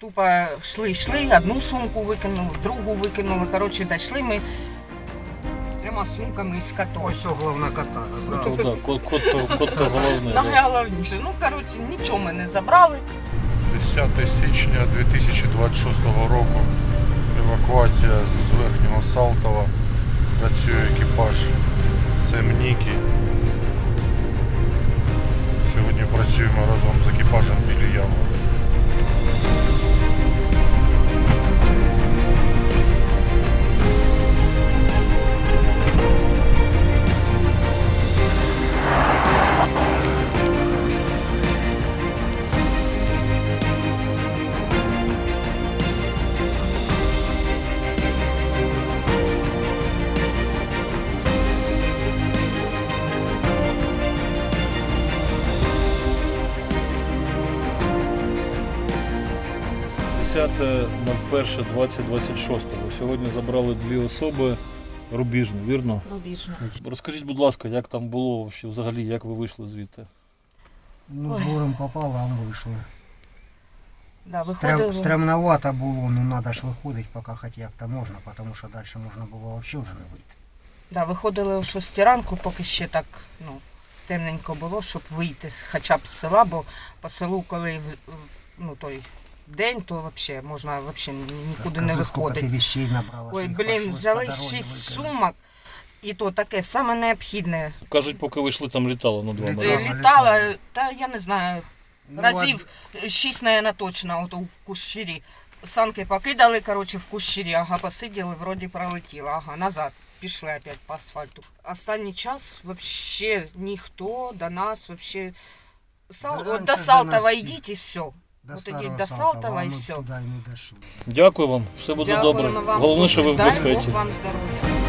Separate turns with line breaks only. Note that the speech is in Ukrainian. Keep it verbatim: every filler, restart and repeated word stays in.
тупо йшли, йшли, одну сумку викинули, другу викинули. Коротше, дійшли ми з трьома сумками з котом.
Ось що головна кота.
Ну, да, кот, кот, то, кот то головне. Да.
Найголовніше. Ну, коротше, нічого ми не забрали.
десяте січня дві тисячі двадцять шостого року. Евакуація з Верхнього Салтова. Працює екіпаж Семніки. Сьогодні працюємо разом з екіпажем біля ями.
десяте перше двадцять двадцять шість. Сьогодні забрали дві особи рубіжні, вірно?
Рубіжно.
Розкажіть, будь ласка, як там було взагалі, як ви вийшли звідти?
Ну, з горем пополам вийшли.
Да,
Стрем,
виходили.
стремновато було, ну треба ж виходити, поки хоч як-то можна, тому що далі можна було взагалі вже не вийти.
Да, виходили о шостій ранку, поки ще так, ну, темненько було, щоб вийти з- хоча б з села, бо по селу, коли в- ну, той день, то взагалі можна взагалі нікуди не
Розкажи, скільки
виходити.
ти вещей набрала.
Ой,
що їх
блін,
прийшлось
взяли
по дорозі
шість
викинути.
сумок, і то таке саме необхідне.
Кажуть, поки ви йшли, там літало над вами.
Е,
Ага,
да?
Літала, та я не знаю,
Ну,
разів шість, наверное, точно, от у кущирі. Санки покидали, коротше, в кущирі, ага, посиділи, вроді пролетіло, ага, назад. Пішли опять по асфальту. Останній час вообще ніхто до нас вообще... Сал...
Да
от
раньше
до
до
Салтова
нас
йдіть і все.
До
От
старого
ідіть до
Салтова,
Салтова
а
і
ми
все.
туди і не дійшли.
Дякую вам, все буде добре.
Дякуємо вам,
Головне, що ви в
хлопці, дай
безпеці.
Бог вам здоров'я.